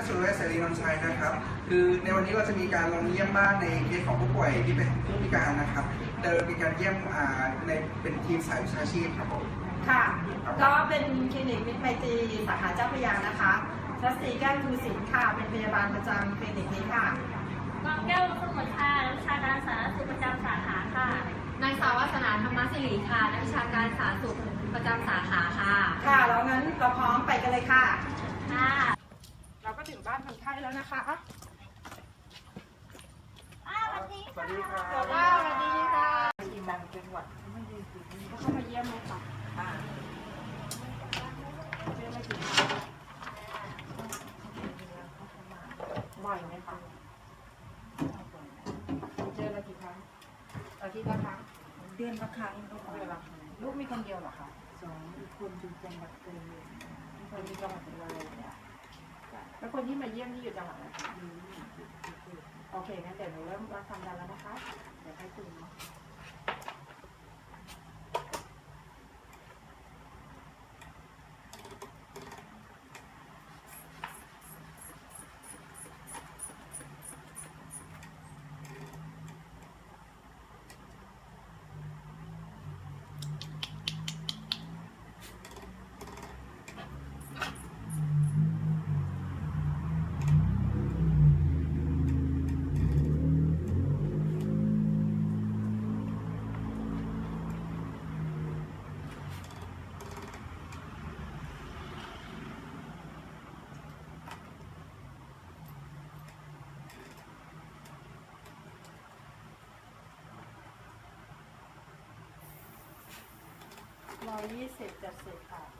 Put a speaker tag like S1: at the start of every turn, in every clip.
S1: สุรเวชเสรีนนท์ชัยนะครับคือในวันนี้เราจะมีการลงเยี่ยมบ้านในเคสของผู้ป่วยที่เป็นผู้พิการนะครับโดยมีการเยี่ยมในเป็นทีมสายวิชาชีพครับผม
S2: ค่ะก็เป็นคลินิกมิตรไมตรีสาขาเจ้าพระยานะคะรัศมีแก้วทูสินค่ะเป็นพยาบาลประจำคลินิกนี้ค่ะ
S3: กองแก้วสมุทรค่ะนักวิชาการสาธารณสุขประจำสาขาค่ะ
S4: นางสาววาสนาธรรมศิริค่ะนักวิชาการสาธารณสุขประจำสาขาค่ะ
S2: ค่ะแล้วงั้นเราพร้อมไปกันเลยค่ะ
S3: ค่ะ
S2: เราก็ถึงบ้านคนไข้แล้วนะคะ
S3: สวัสดีค่ะ
S1: สวัสดีครับ
S2: สวัสดีค่ะทีมงานเป็นหวัดไม่ดีจริงก็เข้ามาเยี่ยมเลยค่ะเยี่ยมไม่ถึงบ่อยไหมคะเจอเรากี่ครั้งอาทิตย์ละครั้ง
S5: เดือนละครั้งก็พอ
S2: เดือนละครั้งลูกมีคนเดียวเหรอคะ
S5: 2อีกคนอยู่จังหวัดเลย
S2: คนมีจังหวัดเลยเนี่ยแล้วคนที่มาเยี่ยมที่อยู่จังหวัดอะไรคะโอเคงั้นเดี๋ยวหนูเริ่มรับความดันแล้วนะคะเดี๋ยวให้คุณเนาะ120/70ค่ะ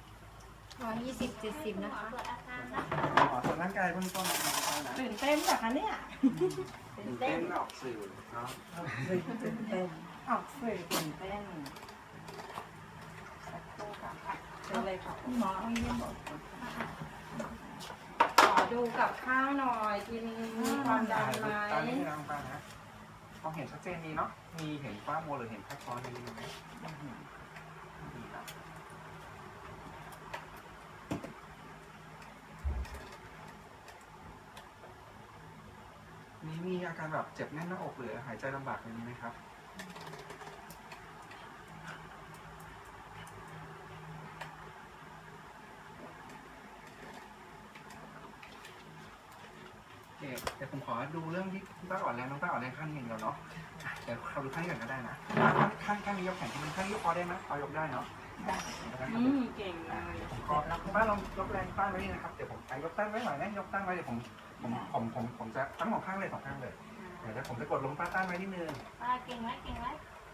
S4: 120/70นะคะ
S3: ตรวจอาการนะ
S1: ขอตรวจร่างกายเบื้องต้นนะครับนะ
S2: ตื่นเต้นจากคะเนี่ย
S1: ตื่นเต้นออกสื่อเนาะ
S5: ตื่นเต้น
S2: ออกสื่อตื่นเต้นสักครู่ค่ะเชิญเลยค่ะ
S5: หมอเอาเยี่ยมบอก
S2: ขอดูกับข้าวหน่อยกินมีความดันไหม
S1: ตอนนี้คือน้องป้านะมองเห็นชัดเจนดีเนาะมีเห็นฝ้ามัวหรือเห็นแค่ช้อนนี้ไหมดีครับนี่มีอาการแบบเจ็บแน่นหน้าอกหรือหายใจลำบากอย่างนี้ไหมครับเดี๋ยวผมขอดูเรื่องที่คุณป้าอ่อนแรงน้องป้าอ่อนแรงข้างนี้อย่างเดียวเนาะเดี๋ยวเราดูข้างนี้ก่อนก็ได้นะข้างนี้ยกแขนที่มันข้างนี้ยกคอได้ไหมคอยกได้เนาะได้
S2: เก่งเลย
S1: ผมขอป้าลองยกแรงป้าไว้นี่นะครับเดี๋ยวผมยกตั้งไว้หน่อยนะยกตั้งไว้เดี๋ยวผมจะทั้งสองข้างเลยสองข้างเลยเดี๋ยวผมจะกดลงป้าตั้งไว้นิดนึง
S3: ป้าเก่งไหมเก่งไหม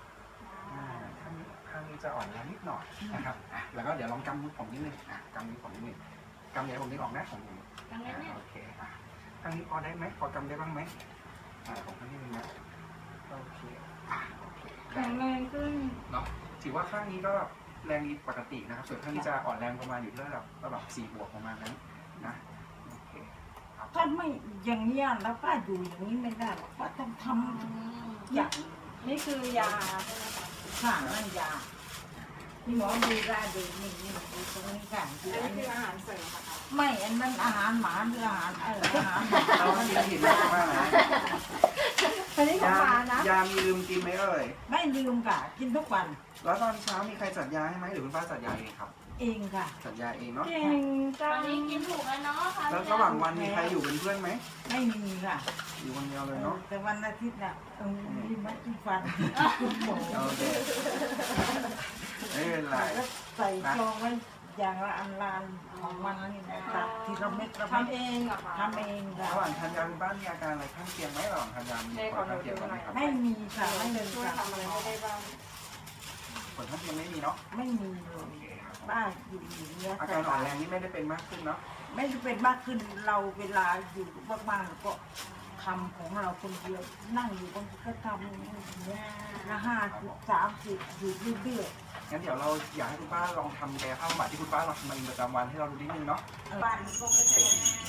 S1: ข้างนี้จะอ่อนแรงนิดหน่อยนะครับแล้วก็เดี๋ยวลองกำมือผมนิดนึงกำมือผมนิดนึงกำเดี๋ยวผมนึกออกนะผมโอเคข้างนี้พอได้ไหมพอกำได้บ้างไหมผมข้างนี้นึงนะโอเค
S2: แข็งแรงขึ้น
S1: เนาะถือว่าข้างนี้ก็แรงดีปกตินะครับส่วนข้างนี้จะอ่อนแรงประมาณอยู่ที่ระดับ4 บวกประมาณนั้นนะโอเค
S5: ถ้าไม่อย่างนี้แล้วป้าอยู่อย่างนี้ไม่ได้หรอกป้าต้องทำอย่าง
S2: นี่คือยา
S5: ข้างนั่นยานี่หมอดูได้ดูนี่ดูตรงนี้ค่ะดู
S2: อั
S5: อั
S2: น
S5: น
S2: นี้
S5: นี้
S2: คืออาหารเสริมค่ะ
S5: ไม่อันนั้นอาหารหมาหรืออาหารอาหาร
S1: เรากินผิดมากนะ
S2: อันนี้ของหมานะ
S1: ยามีลืมกินไหมเอ่ย
S5: ไม่ลืมค่ะกินทุกวัน
S1: แล้วตอนเช้ามีใครจัดยาให้ไหมหรือคุณป้าจัดยาเองครับ
S5: เองค่ะ
S1: จัดยาเองเนาะ
S2: เก่งจั
S3: ตอง นนี้กินถูกแล้วเนาะค่ะ
S1: แล้วระหว่างวันมีใครอยู่เป็นเพื่อนไหม
S5: ไม่มีค่ะ
S1: อยู่คนเดียวเลยเนาะ
S5: แต่วันอาทิตย์น่ะมีมากินฟันคุณหมอ
S1: โอเคไม่เป็นไร
S5: แล้วใส่ซองไว้อย่างละอันลานของมันนี่นะตัดทีละเม็ดละเม็ด
S2: ทำเองเหรอคะ
S5: ทำเองค่ะ
S1: ระหว่างทานยาคุณป้ามีอาการอะไรข้างเคียงไหมระหว่างทานยามีผลข้างเคียงไหมครับ
S5: ไม่มีค่ะไม่มี
S2: ช่วย
S5: ค่ะ
S2: ทำอะไรไม่ได้บ้าง
S1: ผลข้างเคียงไม่มีเนาะ
S5: ไม่มีเล
S1: โอย เคครับ
S5: ป้าอยู่อย่างเงี้ย
S1: อาการอ่อนแรงนี่ไม่ได้เป็นมากขึ้นเนาะ
S5: ไม่ได้เป็นมากขึ้นเราเวลาอยู่บ้านๆก็ทำของเราคนเดียวนั่งอยู่บางทีก็ทำอย่างเงี้ยละ50 30อยู่เรื่อย
S1: งั้นเดี๋ยวเราอยากให้คุณป้าลองทำกายภาพบำบัดที่คุณป้าลองทำมาประจำวันให้เราดูนิดนึงเนาะ
S5: ๆบ้านก็ไม่เป็น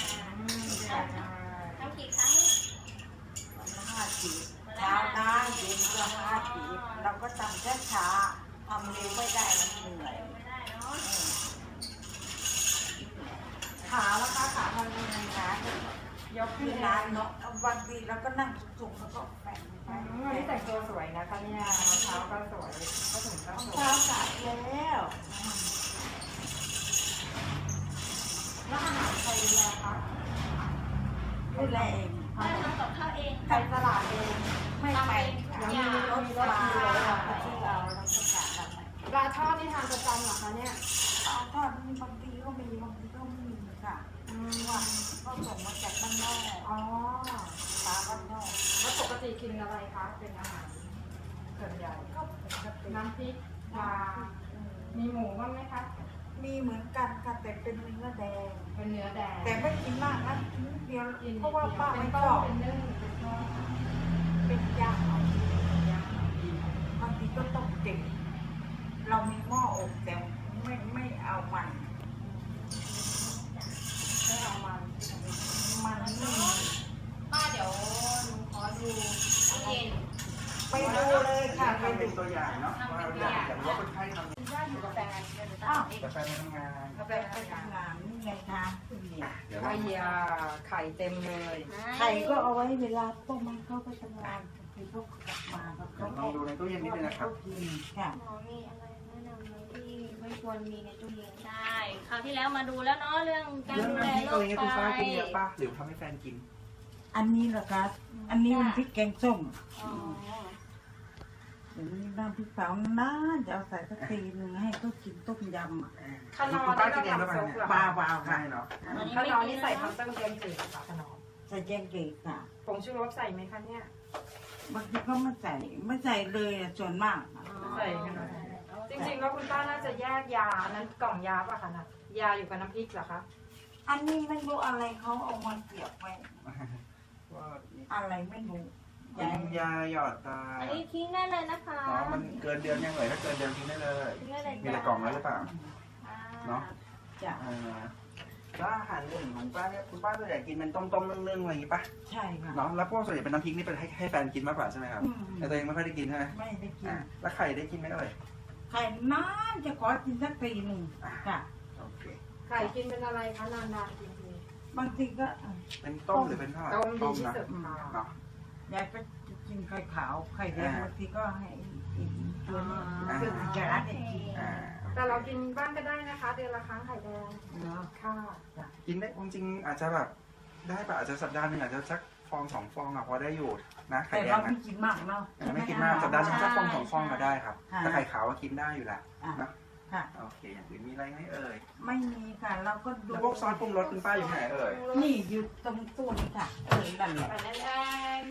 S3: ทำกี่ครั้ง
S5: 50เช้านะเย็นก็50เราก็ทำช้าๆทำเร็วไม่ได้มันเหนื่อย
S3: ไม่ได้เนาะ
S5: ขาแล้วก็ขาทำยังไงคะ
S2: ยก
S5: ที่
S2: ที่
S5: ร้า
S2: ร้าน น
S5: เนาะบางทีเราก็นั่งสูงๆแล้วก็แฝงไป
S2: วันนี้แต่งตัวสวยนะคะเนี่ยรองเท้าก็สวยก็ถึงก็สวย
S5: เช้าสายแล้ว
S2: แล้วอาหารใครดูแลคะ
S5: ดูแลเอง
S3: ได้ทำกับข้าวเอง
S2: ไปตลาดเอง
S5: ไม่ไป
S2: ยังมีรถมาที่เราประกาศกันปลาทอดที่ทานประจำเหรอคะเนี่ย
S5: เอาทอดมีบางทีก็มีบางทีก็ไม่มีค่ะว่าก็ส่งมาจากบ้านนอก
S2: อ๋อ
S5: ปลาบ้านนอก
S2: แล้วปกติกินอะไรคะเป็นอาหารส่วนใหญ่
S5: ก็ปกติ
S2: น้ำพริกปลามีหมูบ้างไหมคะ
S5: มีเหมือนกันค่ะแต่เป็นเนื้อแดง
S2: เป็นเนื้อแดง
S5: แต่ไม่กินมากนะกินนิดเดียว
S2: กิน
S5: เพราะว่าป้า
S2: เป็
S5: ไม่
S2: น
S5: ช
S2: ต้
S5: อ
S2: ม
S5: บ
S2: เป็นนึ่งเป็นทอด
S5: เป็นย่างเอาบางทีก็ต้องเด็กเรามีหม้ออบแต่ไม่เอามัน
S2: ไม่เอามัน
S5: มันไม่มี
S3: ป้าเดี๋ยวหนูขอดูตู้เย็น
S5: ไปดูเลยค่ะไป
S1: ทำเป็
S5: ดู
S1: นตัวอย่างเนาะว่าอยากรู้ว่าคนไข้ทำ
S2: ย่าอยู่กับแฟน
S5: อ้าว
S1: แต่แฟนไม่ทำงาน
S2: กับแฟ
S5: ไป
S2: น
S5: ไปทำงานนี่ไงคะเนี่ย
S1: เดี๋ยว
S2: ไข่ยาไข่เต็มเลย
S5: ไข่ก็เอาไว้เวลาต้มมันเข้าไปทำงานคือเขากลับมาเขา
S1: ลองดูในตู้เย็นนิดนึงนะครับ
S5: กินค่ะ
S3: หมอมีอะไรแนะนำไหมที่ไม่ควรมีในตู้เย็นใช่คราวที่แล้วมาดูแล้วเนาะเรื่องการ
S1: เรื่อง
S3: ดูแล
S1: น้ำพริก
S3: โร
S1: อะไร
S3: ค
S1: เงี้ยคุณป้ากินเยอะ
S3: ไต
S1: ป่ะหรือทำให้แฟนกิน
S5: อันนี้เหรอคะอันนี้มันพริกแกงส้ม
S3: อ๋อ
S5: เดี๋ยวนี้น้ำพริกเผาน่าจะเอาใส่สักทีหนึ่งให้เขากินต้มยำอ่ะ
S1: คุณป้ากินเองหรือเปล่าเนี่ย
S5: ปลาเปล่า
S1: ใช่เนาะ
S2: ขนมนี่ใส่ทั้งเต้มเต็มจืดค่ะขนม
S5: ใส่แกงเกลือค่ะ
S2: ผงชูรสใส่ไหมคะเนี่ย
S5: บางทีก็ไม่ใส่เลยอะส่วนมากอะ
S2: ใส่ขนมจริงๆแล้วคุณป้าน่าจะแยกยานั้นกล่องยาป่ะคะนะยาอยู่กับน้ำพริกเหรอคะ
S5: อันนี้ไม่รู้อะไรเขาเอามาเสียบไว้
S1: ว่า
S5: อะไรไม่รู้
S1: กินยาหยอดตา
S3: อันนี้ทิ้งได้เลยนะคะ
S1: อ๋อมันเกินเดือนยังเลยถ้าเกินเดือนทิ้งได้เลย
S3: ทิ้งได้เลย
S1: มีแต่กล่องแล้วหรือเปล่า
S3: อ่า
S1: เนาะ
S5: จ้ะ
S1: แล้วอาหารอื่นของป้าเนี่ยคุณป้าส่วนใหญ่กินเป็นต้มๆนึ่งๆอะไรอย่างงี้ป่ะ
S5: ใช่ค่ะ
S1: เนาะแล้วพวกส่วนใหญ่เป็นน้ำพริกนี่เป็นให้แฟนกินมากกว่าใช่ไหมครับ
S5: อืม
S1: แต่ตัวเองไม่ค่อยได้กินใช่ไหม
S5: ไม่ได้กิน
S1: อ่ะแล้วไข่ได้กินไหมเอ่ย
S5: ไข่น้ำจะขอกินสักทีหนึ่งค่ะ
S1: โอเค
S2: ไข่กินเป็นอะไรคะนานๆกินที
S5: บางทีก็
S1: เป็นต้มหรือเป็นทอด
S2: ต้มดีที่
S1: นะ
S2: สุดค่ะ
S1: เนาะ
S5: ยายก็กินไข่ขาวไข่แดงบางทีก็ให้กินตัวนี้
S1: อ่า
S5: ซึ่งจะรักให้กิน
S1: อ่า
S2: แต่เรากินบ้างก็ได้นะคะ เดือนละครั้งไข่แดง
S5: เนาะ
S2: ค่ะ
S1: กินได้จริงๆอาจจะแบบได้ป่ะอาจจะสัปดาห์หนึงอาจจะสักฟองสองฟองอะพอได้อยู่นะไข่
S5: แต่
S1: แด
S5: เรา
S1: ง
S5: ไม่
S1: นะ
S5: กินมากเนาะ
S1: ไม่กินมากสัปดาห์หนึงสักฟองสองฟองก็ได้ครับ
S5: ค่ะ
S1: แต่ไข่ขาวก็กินได้อยู่แหละ
S5: อ่ะ
S1: เนาะ
S5: ค่ะ
S1: โอเคอย่างอื่นมีอะไรไหมเอ่ย
S5: ไม่มีค่ะเราก็ดู
S1: แล้วพวกซอสปรุงรสคุณป้าอยู่ไหนเอ่ย
S5: นี่อยู่ตรงตู้นี่ค่ะนั่นแหละ
S3: ไปแดง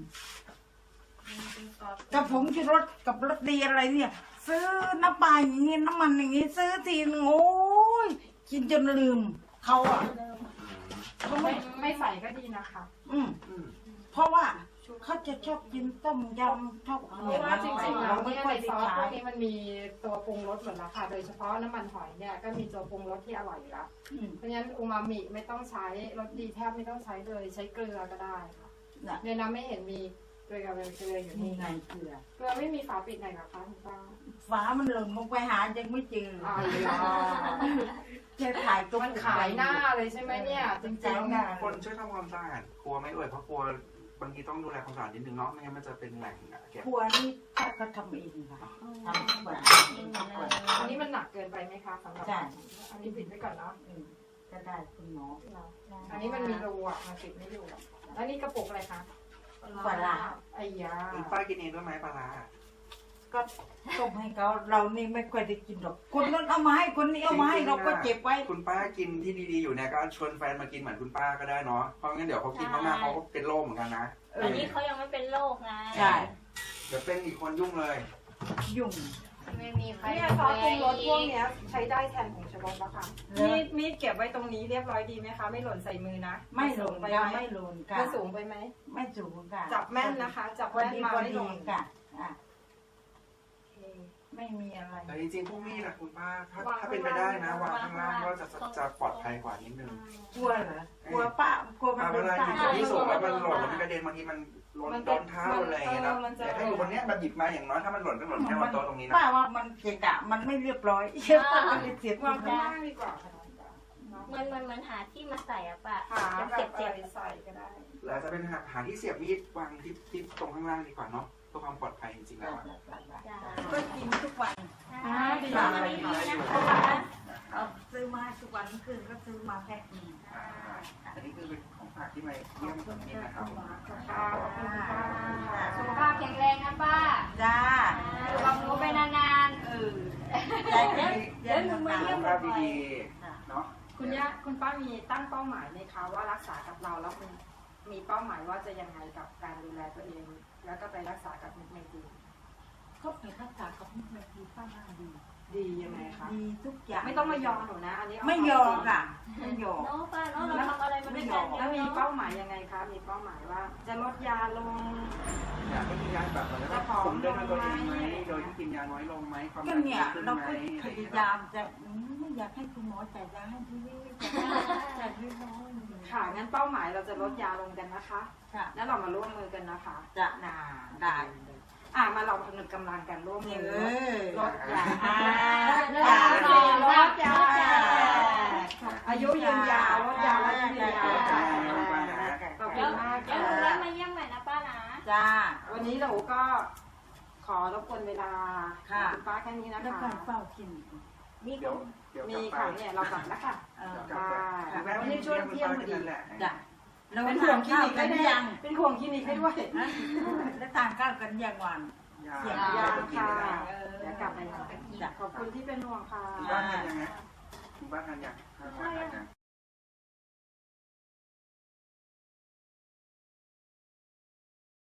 S5: กับผงชูรสกับรสดีอะไรเนี่ย ซื้อน้ำปลาอย่างงี้น้ำมันอย่างงี้ซื้อทีนึงโอ้ยกินจนลืมเขาอ่ะเขาไม่
S2: ไม่ใส่ก็ดีนะคะ
S5: อืมเพราะว่าเขาจะชอบกินต้มยำชอบ
S2: เพราะว่าจริงๆแล้ว
S5: ไม่
S2: เนี่ย
S5: ค่อย
S2: ใน
S5: ได้
S2: ซอสพ
S5: ใช้
S2: วกนี้มันมีตัวปรุงรสหมดแล้วค่ะ โดยเฉพาะน้ำมันหอยเนี่ยก็มีตัวปรุงรสที่อร่อยอยู่แล้ว
S5: อืม
S2: เพราะฉะนั้นอูมามิไม่ต้องใช้รสดีแทบไม่ต้องใช้เลยใช้เกลือก็ได้ค่ะ
S5: น่ะ
S2: ในน้ำไม่เห็นมีเกลือเป็นเกลืออยู่
S5: นี่
S2: นี่
S5: ไงเกลือ
S2: เกลือไม่มีฝาปิดไหนหรอคะคุณป้า
S5: ฝามันหล่นลงไปหายังไม่เจอ
S2: อ๋อ
S5: จะถ่ายตัว
S2: มันขายหน้าเลยใช่ไหมเนี่ย จริง
S1: คนช่วยทำความสะอาดครัวไหม่เอ่ยเพราะครัวบางทีต้องดูแลความสะอาดนิดนึงเนาะไม่งั้นมันจะเป็นแหล่งเก็บ
S5: ครัวนี่ถ้าเขาทำเองค่ะทำทุกวัน
S2: ๆอันนี้มันหนักเกินไปไหมคะสำหรับ
S5: ใช่
S2: อันนี้ปิดไว้ก่อนเนาะ
S5: ก็ได้คุณหมอ
S2: อันนี้มันมีรูอ่ะมันปิดไม่อยู่อะแล้วนี่กระปุกอะไรคะ
S5: ปลาร้า
S2: ไอ้ยา
S1: คุณป้ากินเองด้วยไหมปลาร้า
S5: ก็ต้มให้เขาเรานี่ไม่ค่อยได้กินหรอกคนนั้นเอามาให้คนนี้เอามาให้เราก็เก็บไว้
S1: คุณป้ากินที่ดีๆอยู่เนี่ยก็ชวนแฟนมากินเหมือนคุณป้าก็ได้เนาะเพราะงั้นเดี๋ยวเขากินมากๆเขาก็เป็นโรคเหมือนกันนะ
S3: อันนี้เขายังไม่เป็นโรคไง
S5: ใช่
S1: เดี๋ยวเป็นอีกคนยุ่งเลย
S5: ยุ่ง
S3: ไม่มีใคร
S2: เนี่ยซอสปรุงรสพวกเนี้ยใช้ได้แทนผงชูรสแล้วค่ะมีดเก็บไว้ตรงนี้เรียบร้อยดีไหมคะ ไม่หล่นใส่มือนะ
S5: ไม่หลง
S2: ไป
S5: ค่ะ
S2: ไหม
S5: ไม่หลงค่ะ
S2: มันสูงไปไหม
S5: ไม่สูงค่ะ
S2: จับแม่นนะคะ จับ
S5: พอ
S2: แม่น
S5: ดี
S2: มา
S5: พอ
S2: ไม่
S5: ดี
S2: หล่น
S5: ค่ะอ่ะไม่มีอะไร
S1: แต่จริงๆพวกนี้นะคุณป้าถ้าเป็นไปได้นะวางข้างล่างก็จะปลอดภัยกว่านิดนึง
S5: กลัวเหรอกลัวป้ากลัวมัน
S1: เว
S5: เป็น
S1: ลา
S5: ป้า
S1: อยู่ที่สูงแล้วมันหล่นแล้วมันกระเด็นบางทีมันหล่นโดนเท้าอะไรอย่างเงี้ยนะแต่ถ้าอยู่บนเนี้ยมันหยิบมาอย่างน้อยถ้ามันหล่นก็หล่นแค่บนโต๊ะตรงนี้นะ
S5: ป้าว่ามันเกะกะมันไม่เรียบร้อยป้าก็เลยเสีย
S2: วาง
S5: ที
S2: ข้างล่างดีกว่าค่ะ
S3: มันหาที่มาใส่อะป้า
S2: หาแบ
S3: เจ็
S2: บบ
S3: เจ็บ
S2: ใส่ก็ได้
S1: หรืออาจจะเป็นหาที่เสียบมีดวางที่ตรงข้างล่างดีกว่าเนาะเพื่อความปลอดภัยจริงๆแล้วอะ
S3: จ้า
S5: ก็กินทุกวัน
S2: ดี
S3: ตาม
S2: มาก
S3: นี้ดีนะคะ
S5: เอาซื้อมาให้ทุกวันเมื่อคืนก็ซื้อมาแพ็คหนึ่ง
S1: อันนี้คือเป็นของฝากที่มาเยี่ยมผมนี่นะครับ
S2: ค่ะขอบคุณค่ะ
S4: สุขภาพแข็งแรงนะป้า
S5: จ้า
S4: อยู่กับหนูไปนาน
S5: ใจเย็นเย็นหนา
S1: สุขภาพดีๆเนาะ
S2: คุณป้ามีตั้งเป้าหมายไหมคะว่ารักษากับเราแล้วคุณมีเป้าหมายว่าจะยังไงกับการดูแลตัวเอง แล้วก็ไปรักษากับมุกเมจี
S5: ก็ไปรักษากับมุกเมจีป้าน่าดี
S2: ดียังไงคะ
S5: ดีทุกอย่าง
S2: ไม่ต้องมายอมหนูนะ อันนี้เา
S5: ไม่ยอมค่ะไม่ยอม
S3: เนาะป้าเนาะเราทำอะไรมาด้วยกัน
S2: แล้วมี
S3: เนาะ
S2: เป้าหมายยังไงคะ มีเป้าหมายว่าจะลดยาลง
S1: อยากให้กินยาแบบแล้วก็ผมเดินตัวเองไหมโดยที่กินยาน้อยลงไหมความ
S5: ก็เนี่ย
S1: ขึ้น
S5: เรา
S1: ไหม
S5: ก็พยายามจะไม่อยากให้คุณหมอจ่ายยาให้ที่นี่จ่ายน้อย
S2: ค่ะ งั้นเป้าหมายเราจะลดยาลงกันนะคะ
S5: ค่ะ
S2: แล้วเรามาร่วมมือกันนะคะ
S5: จะนาได้
S2: มาเราผนึกกำลังกันร่วมมือลดยา
S5: ลดยา
S2: อายุยืนยาวลดยาลดยืนยาว ขอบคุ
S3: เดี๋ยว
S2: ณมาก
S3: เดี๋ยวหนูแวะมาเยี่ยมใหม่นะป้านะ
S5: จ้า
S2: วันนี้เราก็ขอรบกวนเวลา
S5: ค่ะ
S2: คุณป้าแค่นี้นะ
S5: แล้ว
S2: คะ
S5: การเฝ้ากิน
S3: มี
S1: เดี๋ยว
S2: มีค่ะเนี่ยเรากลับแล้วค่ะ
S1: กลับไปวันนี้ช่วยเที่ยงพอดีแหละ
S5: จ้ะแล้ว
S2: เป็น
S5: ทา
S2: ห่วง
S5: น
S2: คลิ
S5: ข้าว
S2: นิก
S5: กั
S2: ให้
S5: น
S2: ด้วย
S5: ยัง
S2: เป็นห่วงคลินิกให้ด้วย
S5: นะแล้วทานข้าวกันยังวัน
S2: ยังค่ะเดี๋ยวกลับไปขอบคุณที่เป็นห่วงค่ะ
S1: บ้านทานยังไงบ้านทานยัง